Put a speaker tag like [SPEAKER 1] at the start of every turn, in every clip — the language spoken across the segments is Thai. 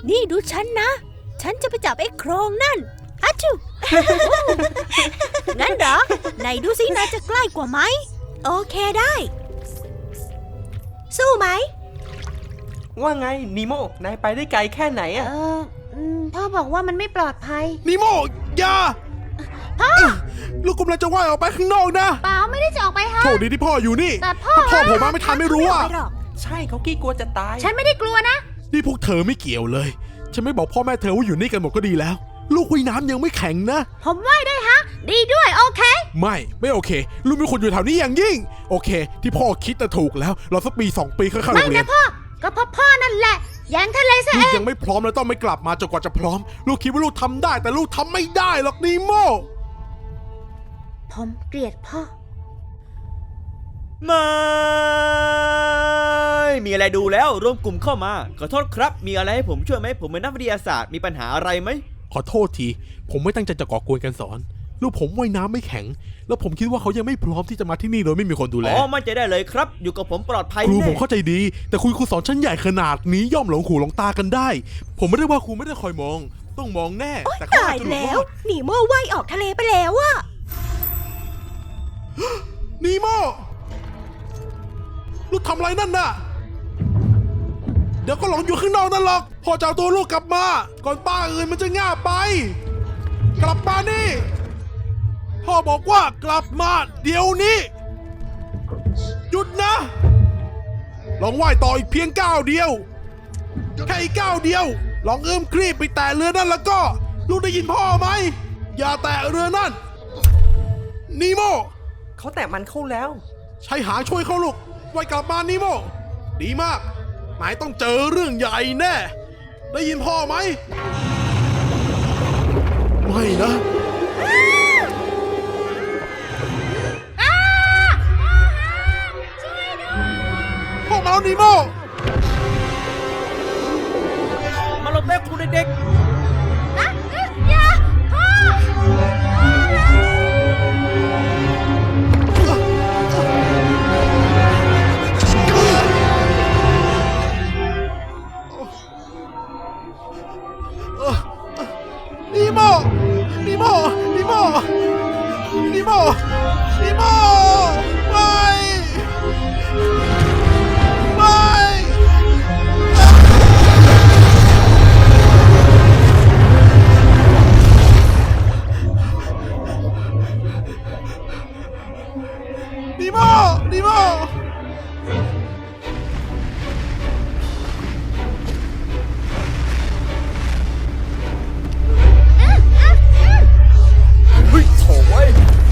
[SPEAKER 1] นี่ดูฉันนะ ฉันจะไปจับไอ้โครงนั่นอะจู งั้นเหรอ ไหนดูสินายจะใกล้กว่าไหม โอเคได้ สู้ไหม
[SPEAKER 2] ว่าไงนีโมนายไปได้ไกลแค่ไหนอะ
[SPEAKER 1] พ่อบอกว่ามันไม่ปลอดภัย
[SPEAKER 3] นิโมอย่าลูกกำลังจะว่ายออกไปข้างนอกนะ
[SPEAKER 1] เปล่าไม่ได้จะออกไปฮะ
[SPEAKER 3] โชคดีที่พ่ออยู่นี่
[SPEAKER 1] แต่พ่อ
[SPEAKER 3] ถ้าพ่อผมมาไม่ทันไม่รู้อ่ะ
[SPEAKER 2] ใช่เขากี้กลัวจะตาย
[SPEAKER 1] ฉันไม่ได้กลัวนะ
[SPEAKER 3] นี่พวกเธอไม่เกี่ยวเลยฉันไม่บอกพ่อแม่เธอว่าอยู่นี่กันหมดก็ดีแล้ว ลูกว่ายน้ำยังไม่แข็งนะ
[SPEAKER 1] ผมว่ายได้ฮะ ดีด้วยโอเค
[SPEAKER 3] ไม่โอเค ลูกเป็นคนอยู่แถวนี้อย่างยิ่ง โอเค ที่พ่อคิดน่ะถูกแล้วเราสักปี2 ปีค่อยเข้าโร
[SPEAKER 1] ไม่
[SPEAKER 3] งเรีย
[SPEAKER 1] นะ
[SPEAKER 3] น
[SPEAKER 1] พ่อ ก็เพราะพ่อนั่นแหละแยงทะเลซะ
[SPEAKER 3] ลู
[SPEAKER 1] เอก ง
[SPEAKER 3] ยังไม่พร้อมแล้วต้องไม่กลับมาจนกว่าจะพร้อม ลูกคิดว่าลูกทำได้แต่ลูกทำไม่ได้หรอกนีโม
[SPEAKER 1] ผมเกลียดพ่อ
[SPEAKER 4] ไม่มีอะไรดูแล้วรวมกลุ่มเข้ามาขอโทษครับมีอะไรให้ผมช่วยไหมผมเป็นนักวิทยาศาสตร์มีปัญหาอะไรไหม
[SPEAKER 3] ขอโทษทีผมไม่ตั้งใจจะก่อกวนกันสอนลูกผมว่ายน้ำไม่แข็งแล้วผมคิดว่าเขายังไม่พร้อมที่จะมาที่นี่โดยไม่มีคนดูแล
[SPEAKER 4] อ๋อมั่นใจได้เลยครับอยู่กับผมปลอดภัย
[SPEAKER 3] ครู
[SPEAKER 4] แน่
[SPEAKER 3] ผมเข้าใจดีแต่ครูสอนชั้นใหญ่ขนาดนี้ย่อมหลงหูหลงตากันได้ ผมไม่ได้ว่าครูไม่ได้คอยมอง ต้องมองแน่แต่เขา
[SPEAKER 1] ตา
[SPEAKER 3] อาจ
[SPEAKER 1] ย
[SPEAKER 3] จะหลุด
[SPEAKER 1] แล้
[SPEAKER 3] ร
[SPEAKER 1] ว
[SPEAKER 3] อด
[SPEAKER 1] หนีโม่ว่ายออกทะเลไปแล้วอะ
[SPEAKER 3] นีโมลูกทำอะไรนั่นน่ะเดี๋ยวก็หลงอยู่ข้างนอกนั่นหรอกพ่อจะเอาตัวลูกกลับมาก่อนป้าอื่นมันจะง่าไป กลับมานี่พ่อบอกว่ากลับมาเดี๋ยวนี้หยุดนะลองว่ายต่ออีกเพียงก้าวเดียวแค่อีกก้าวเดียวลองเอื้อมคลีบไปแตะเรือนั่นแล้วก็ลูกได้ยินพ่อไหมอย่าแตะเรือนั่นนีโม
[SPEAKER 2] เขาแตะมันเข้าแล้ว
[SPEAKER 3] ใช้หางช่วยเขาลูกว่ายกลับมานีโมดีมากนายต้องเจอเรื่องใหญ่แน่ได้ยินพ่อไหมไม่นะพ่อมาแล้วนีโม
[SPEAKER 4] มาลงเต้นคุณเด็ก
[SPEAKER 1] อย่าพ่อ
[SPEAKER 3] นีโมนีโมนีโมนีโมนีโมไม่นีโมนีโม
[SPEAKER 4] เฮ้ยโถ่เว้ย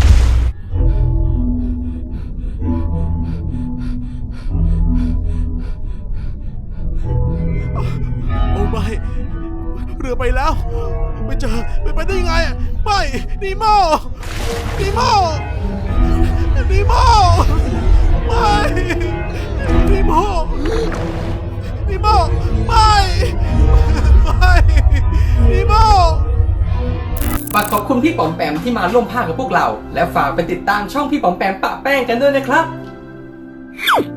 [SPEAKER 3] โอ้ไม่เรือไปแล้วไม่เจอไปได้ยังไงไม่นีโมนีโมนีโมไม่นีโมนีโมไม่นีโม
[SPEAKER 5] ฝากขอบคุณพี่ป๋อมแปมที่มาร่วมภาคกับพวกเรา และฝากไปติดตามช่องพี่ป๋อมแปมปะแป้งกันด้วยนะครับ